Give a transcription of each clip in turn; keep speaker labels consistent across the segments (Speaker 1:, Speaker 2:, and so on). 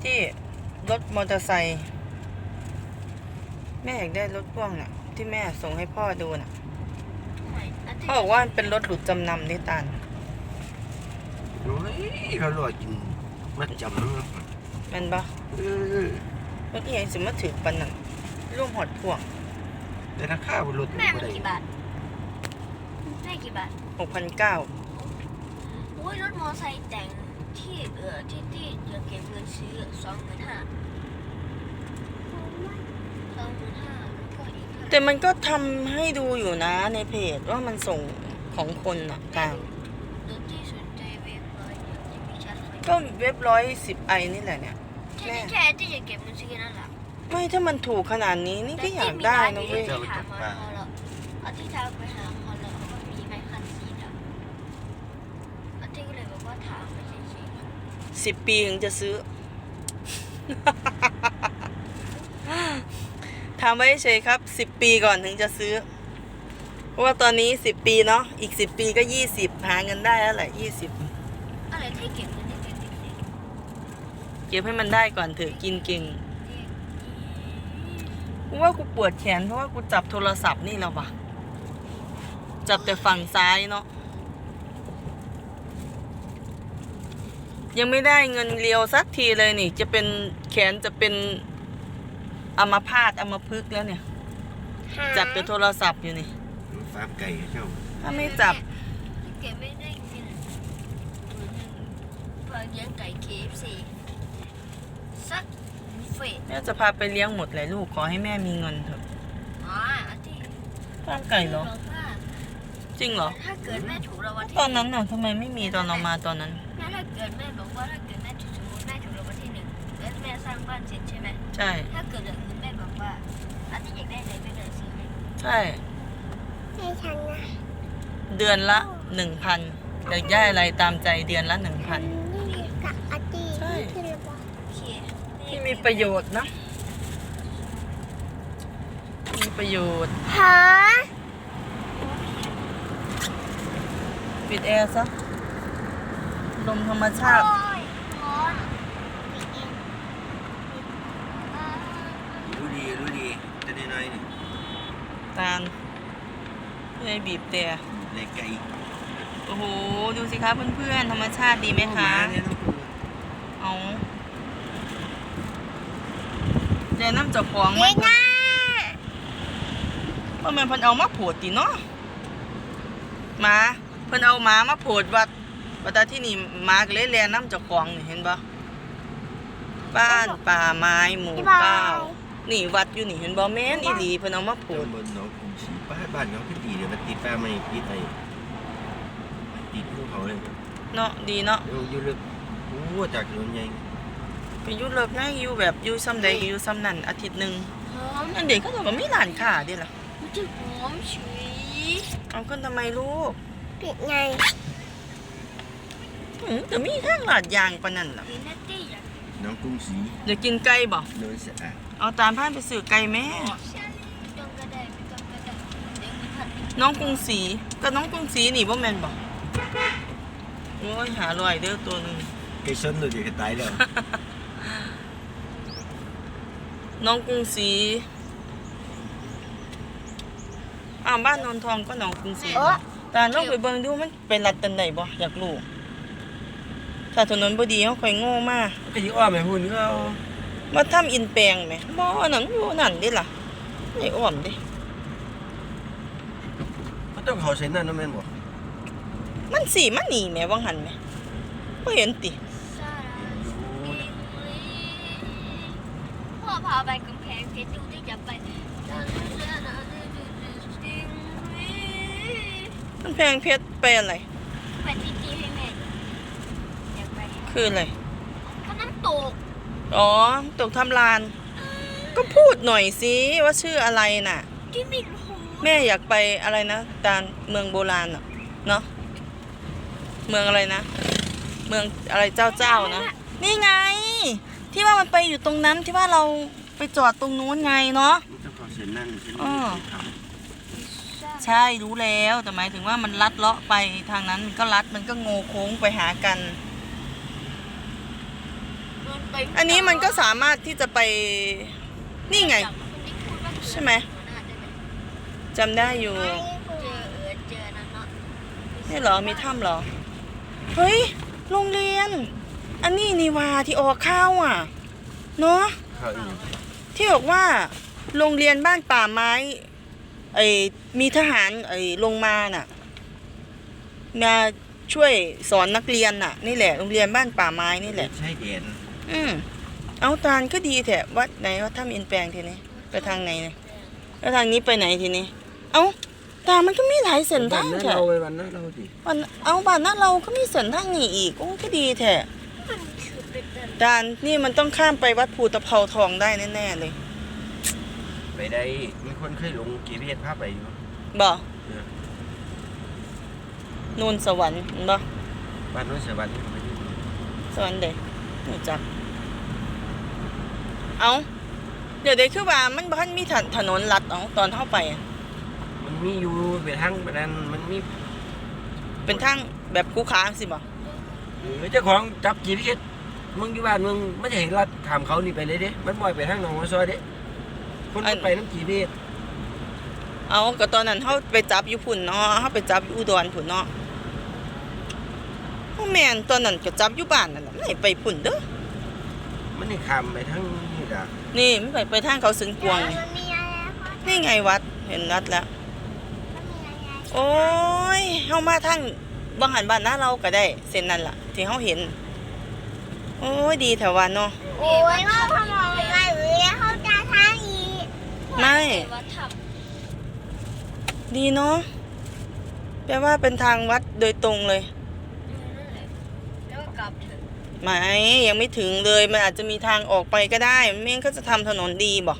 Speaker 1: ที่รถมอเตอร์ไซค์แม่อยากได้รถพ่วงน่ะที่แม่ส่งให้พ่อดูน่ะเขาบอกว่าเป็นรถหลุดจำนำนี่ตาล
Speaker 2: โอ้ยเขาลอยกินมัดจำเนาะ
Speaker 1: แม่นปะรถอีหยังสิมาถือปันนั่นร่วมหอดพ่วง
Speaker 2: แต่ราคาบนรถ
Speaker 3: แม่มันกี่บาทแม่กี่บาท
Speaker 1: 6,900
Speaker 3: โอ้ยรถมอไซค์แต่งที่ที่จะเก็บเงินซื้อ25,000แล้วก็อีก
Speaker 1: แต่มันก็ทำให้ดูอยู่นะในเพจว่ามันส่งของคนน่ะตาม
Speaker 3: รถที่สนใจเว็บเลยจะมีชัดเลย
Speaker 1: ก็เว็บ110i นี่แหละเนี่ย
Speaker 3: แค่ที่จะเก็บเงินซื้อนั่นแหละ
Speaker 1: ไม่ถ้ามันถูกขนาดนี้นี่ก็อยากได้นะเว้ย
Speaker 3: ถามมาแล้วเอาที่ทางไปหาคอนแล้วเขาก็มีไม้คันสีดำอาทิตย์ก็เลยบอกว่าถามไปเฉย
Speaker 1: 10 ปีถึงจะซื้อ ถามไว้เฉยครับ10 ปีก่อนถึงจะซื้อเพราะว่าตอนนี้10 ปีเนาะอีก10 ปีก็20หาเงินได้แล้วแหละ20
Speaker 3: อะไรที่เก็บเงินเด็ก
Speaker 1: เก็บให้มันได้ก่อนเถอะกินเก่งกูว่ากูปวดแขนเพราะว่ากูจับโทรศัพท์นี่แล้ววะจับแต่ฝั่งซ้ายเนาะยังไม่ได้เงินเรียวสักทีเลยนี่จะเป็นแขนจะเป็นอัมพาตอัมพฤกษ์แล้วเนี่ยจับแต่โทรศัพท์อยู่นี่
Speaker 2: ฟาร์มไก่เจ้า
Speaker 1: ถ้าไม่จับ
Speaker 3: เก็บไม่ได้กินพอเลี้ยงไก่ KFC สักเฟส
Speaker 1: แม่จะพาไปเลี้ยงหมดเลยลูกขอให้แม่มีเงินเถอะ
Speaker 3: อาทิตย์
Speaker 1: ฟาร์มไก่เหรอจริงเหรอ
Speaker 3: ถ้าเกิดแม่ถูกรางวัลที่
Speaker 1: ตอนนั้นน่ะทำไมไม่มีตอนเรามาตอนนั้น
Speaker 3: ถ้าเกิดแม่บอกว่าถ้าเกิดแม่ถูกสมมติแม่ถูกรางวัลที่1แล้วแม่สร้างบ้านเสร็จใช่ไหม
Speaker 1: ใช่
Speaker 3: ถ้าเกิดอย่างอื่นแม่บอกว่าอาทิตย์อยากได้อะไรแม่เลยซื้อให้
Speaker 1: ใช่
Speaker 3: ให้ฉันนะ
Speaker 1: เดือนละ 1,000อยากได้อะไรตามใจเดือนละ 1,000
Speaker 3: นี่กับอาทิตย์
Speaker 1: ใช่
Speaker 3: คือระบบโอเค
Speaker 1: ที่มีประโยชน์นะมีประโยชน์
Speaker 3: ฮะ
Speaker 1: ปิดแอร์ซะลมธรรมชาติ
Speaker 3: ร้อน
Speaker 2: รู้ดีแต่น้อยๆนี่
Speaker 1: ตาลเพื่อให้บีบแต่
Speaker 2: ในไก่
Speaker 1: โอ้โหดูสิคะเพื่อนๆธรรมชาติดีไหมคะ
Speaker 2: เนี่ยต้องดู
Speaker 1: เอาเดี๋ยวน้ำเจับของ
Speaker 3: เย้
Speaker 1: มัน
Speaker 3: น่า
Speaker 1: ว่าแม่นเพิ่นเอามาโผดติเนาะหมาเพิ่นเอาหมามาโผดวัดที่นี่หมาก็เลยแลน้ำเจ้าของนี่เห็นปะบ้านป่าไม้หมู่เก้านี่วัดอยู่นี่เห็นบ่แม่นอีหลีเพิ่นเอามาโผ
Speaker 2: โอ้
Speaker 1: ด
Speaker 2: บนหนองกรุงศรีบ้านเขาขึ้นดีเดี๋ยวมันติดป้าไม่ติดไอ้ติดภูเขาเลย
Speaker 1: เนาะดีเนาะ
Speaker 2: อยู่ลึกโอ้จากถนนใหญ่
Speaker 1: ไปอยู่เลิกง่ายอยู่แบบอยู่ซ้ำใดก็อยู่ซ้ำนั่นอาทิตย์หนึง
Speaker 3: หอม
Speaker 1: อันเด็กเขาบอกว่ามีร้านค้าเด้ล่ะ
Speaker 3: มันจะหอมฉุย
Speaker 1: เอาขึ้นทำไมลูก
Speaker 3: ปิดไง
Speaker 1: แต่มีทางลาดยางปานนั้นล่ะ
Speaker 3: หรือนัตตี้อยาก
Speaker 2: หนองกรุงศรี
Speaker 1: เดี๋ยวกินไก่บ่
Speaker 2: โดนสะอาด
Speaker 1: เอาตามพานไปซื้อไก่แม่
Speaker 3: ต้องก็ได้ไม่ต้องก็ได้เดี๋ยวมีผัด
Speaker 1: น้องกรุงศรีก็น้องกรุงศรีนี่บ่แม่นบ่โอ้ยหาลอยเด้อตัวหนึง
Speaker 2: ไก่ชนเลยเดี๋ยวจะตายแล้ว
Speaker 1: น้องกรุงศรีบ้านนนทองก็น้องกรุงศรีแต่ลองไปเบิ่งดูมันเป็นรัดตันใดบ่อยากรู้ถ้าถนนบ่ดีเฮาค่อยโง่มา
Speaker 2: ไอ้ที่อ้อมไอ้หุ่นก็เอา
Speaker 1: มาทำอินแปลงแหมบ่อันนั้นอยู่นั่นเด้ล่ะไอ้อ้อมเด้
Speaker 2: มันต้องเขาเส้นนั่นนะแม่นบ่
Speaker 1: มันสิมันนี่แหมวังหันแหมบ่เห็นติ
Speaker 3: พ่อพาไปกำแพงเพชรดูที่จะไป
Speaker 1: มันแพงเพชรไปอะไร
Speaker 3: ไปที่ให้แม่อยากไป
Speaker 1: คืออะไร
Speaker 3: ก็น้ำตก
Speaker 1: อ๋อตกทำลาน ก็พูดหน่อยสิว่าชื่ออะไรน่ะ
Speaker 3: ที่มีหู
Speaker 1: แม่อยากไปอะไรนะตาลเมืองโบราณน่ะเนาะเมืองอะไรนะ เมืองอะไรเจ้านะนี่ไง ที่ว่ามันไปอยู่ตรงนั้นที่ว่าเราไปจอดตรงนู้นไงเนาะ
Speaker 2: มันต้องเขาเส้นนั่นเส้น
Speaker 1: อ้
Speaker 2: นี้
Speaker 1: อ
Speaker 2: ท
Speaker 1: ใช่รู้แล้วแต่หมายถึงว่ามันลัดเลาะไปทางนั้นมันก็ลัดมันก็โงโค้งไปหากันอันนี้มันก็สามารถที่จะไปนี่ไง ใช่ไหมจำได้อยู่
Speaker 3: เจอนั่นเนาะ
Speaker 1: นี่เหรอมีถ้ำเหรอเฮ้ยโรงเรียน อันนี้นี่ว่าที่ออกข้าวอ่ะเนาะ
Speaker 2: ข้าวอีก
Speaker 1: ที่บอกว่าโรงเรียนบ้านป่าไม้มีทหารลงมาน่ะมาช่วยสอนนักเรียนน่ะนี่แหละโรงเรียนบ้านป่าไม้นี่แหละ
Speaker 2: ใช่เด่น
Speaker 1: เอาตาลก็ดีแถะวัดไหนว่าถ้ามีอินแปลงทีนี้ไปทางไหนเนี่ยแล้วทางนี้ไปไหนทีนี้เอาตามันก็มีหลายเส้นทาง
Speaker 2: วันนั้น
Speaker 1: แถะ
Speaker 2: เราไปวันนั้นเราดิ
Speaker 1: บ้านนั้นเราก็มีเส้นทางนี้อีกโอ้ก็ดีแถะ
Speaker 3: มันคือเป็นแบบ
Speaker 1: ตาลนี่มันต้องข้ามไปวัดภูตะเภาทองได้แน่ๆเลย
Speaker 2: ไปได้มีคนเคยลงกี่เวียดภาพไปอยู่
Speaker 1: บ่
Speaker 2: เออ
Speaker 1: นูนสวรรค์เห็นบ่
Speaker 2: บ้านนู้นสวรรค์ไปอยู่
Speaker 1: สวรรค์เด็กรู้จักเอาเดี๋ยวเด็กคือว่ามันบ้านมีถนนลัดเอาตอนเข้าไปอะ
Speaker 2: มันมีอยู่ไปทางไปนั้นมันมี
Speaker 1: เป็นทางแบบคูค้างสิบ่
Speaker 2: เจ้าของจับกี่เวียดมึงอยู่บ้านมึงไม่จะเห็นรัดถามเขานี่ไปเลยเด้มันบ่อยไปทางหนองหัวซอยเด้คนมันไปน้ำกี่เวียด
Speaker 1: เอาก็ตอนนั้นเขาไปจับอยู่พุ่นเนาะเขาไปจับอยู่อุดรพุ่นเนาะโอ้แม่นตอนนั้นก็จับอยู่บ้านนั่นน่ะไม่ไปพุ่นเด้อ
Speaker 2: มันนี่คำไปทางนี่ด่ะ
Speaker 1: นี่มันไปทางเขาสึงกวงนี่
Speaker 3: มันมีอะไรคะ
Speaker 1: นี่ไงวัดเห็นวัดแล้ว
Speaker 3: มันมีอะไร
Speaker 1: โอ้ยเฮามาทางบังหันบ้านหน้าเราก็ได้เส้นนั้นล่ะ ที่เฮาเห็น โอ้ยดีแถววันเนาะ
Speaker 3: โอ้ยว่าทำอะไรหรือเขาจะทางอีก
Speaker 1: ไม่
Speaker 3: ว่าท
Speaker 1: ดีเนาะแปลว่าเป็นทางวัดโดยตรงเลย
Speaker 3: ำแล้วก็กลับเถอะ
Speaker 1: ไม่ยังไม่ถึงเลยมันอาจจะมีทางออกไปก็ได้ไม่งั้นก็จะทำถนนดีบอก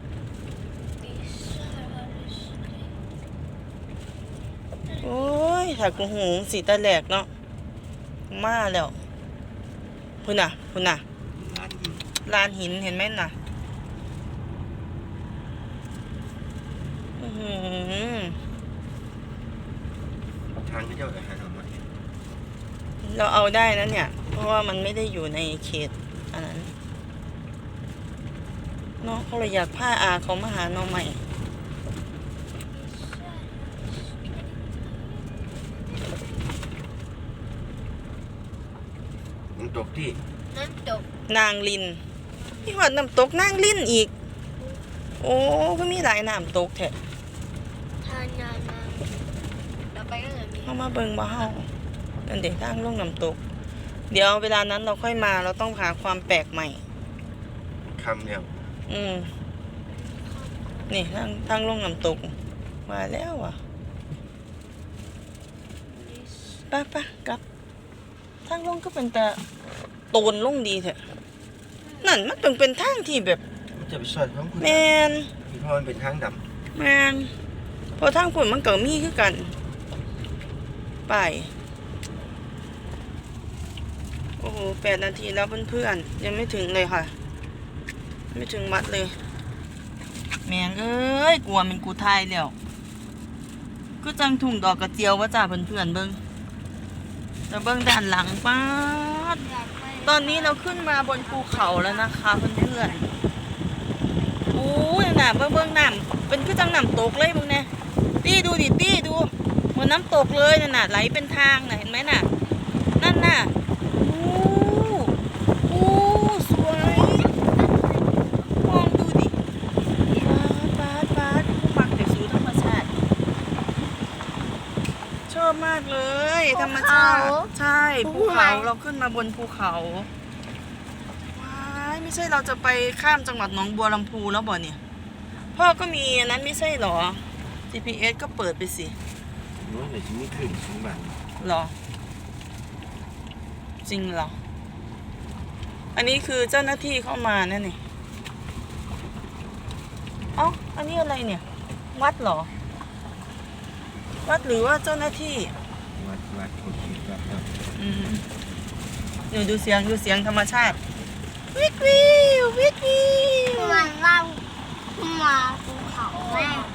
Speaker 1: โอ้ยถ้ากูหูสีตาแหลกเนาะมาแล้วพุ่นน่ะ
Speaker 2: ร้านหิน
Speaker 1: ลานหินเห็นไหมน่ะอื้อหือ
Speaker 2: ทางที่เจ้าจะหาเอามา
Speaker 1: เราเอาได้นะเนี่ย เพราะว่ามันไม่ได้อยู่ในเขตอันนั้นเนาะเขาเลยอยากพาอาเขามาหาน้องใหม่
Speaker 2: มันตกที่
Speaker 3: น้ำตก
Speaker 1: นางลินนี่หอดน้ำตกนางลินอีก โอ้ก็มีหลายน้ำตกแท้
Speaker 3: ทานยามาเราไปก็เลยมี
Speaker 1: เข้ามาเบิ่งบ่เฮานั่นเด็กทางลงน้ำตก เดี๋ยวเวลานั้นเราค่อยมาเราต้องหาความแปลกใหม่
Speaker 2: คำเนี่ย
Speaker 1: นี่ทางลงน้ำตก มาแล้วอ่ะไปกลับ ทางลงก็เป็นแต่โตนลงดีแท้นั่นมันต้องเป็นทางที่แบบ
Speaker 2: มันจะไปซอยของคุณ
Speaker 1: แมน
Speaker 2: พี่พ่อมันเป็นทางด
Speaker 1: แมนเพอทางฝุ่นมันก็มีคือกัน ไปโอ้โห8 นาทีแล้วเพื่อนๆยังไม่ถึงเลยค่ะ ไม่ถึงวัดเลย แมงเอ้ยกลัวมันกูทายแล้วก็จังถุงดอกกระเจียวว่าจ้าเพื่อนๆเบิ้งแต่เบิ้งด้านหลังป้าด
Speaker 3: อยากไป
Speaker 1: ตอนนี้เราขึ้นมาบนภูเขาแล้วนะคะเพื่อนๆโอ้ยน่ะเบิ้งน้ำเป็นคือจังน้ำตกเลยมึงเนี่ยตี้ดูดิตี้ดูเหมือนน้ำตกเลยน่ะไหลเป็นทางน่ะเห็นไหมน่ะนั่นน่ะโอ้สวยมองดูดิปาดผู้มักแต่สู่ธรรมชาติชอบมากเลยธรรมชาติใช่ภูเขาเราขึ้นมาบนภูเขาว้ายไม่ใช่เราจะไปข้ามจังหวัดหนองบัวลำพูแล้วบ่เนี่ยพ่อก็มีอันนั้นไม่ใช่หรอ GPS ก็เปิดไปสิ
Speaker 2: ำนู้นเดี๋ยวจะมีขึ้นสูงบ้าน
Speaker 1: หรอ จริงเหรอ อันนี้คือเจ้าหน้าที่เข้ามานั่นนี่เอ้าอันนี้อะไรเนี่ย วัดเหรอ วัดหรือว่าเจ้าหน้าที่
Speaker 2: วัดโอเคครับ
Speaker 1: ดูเสียงธรรมชาติวิว
Speaker 3: มันว่ามาภูเขาแม่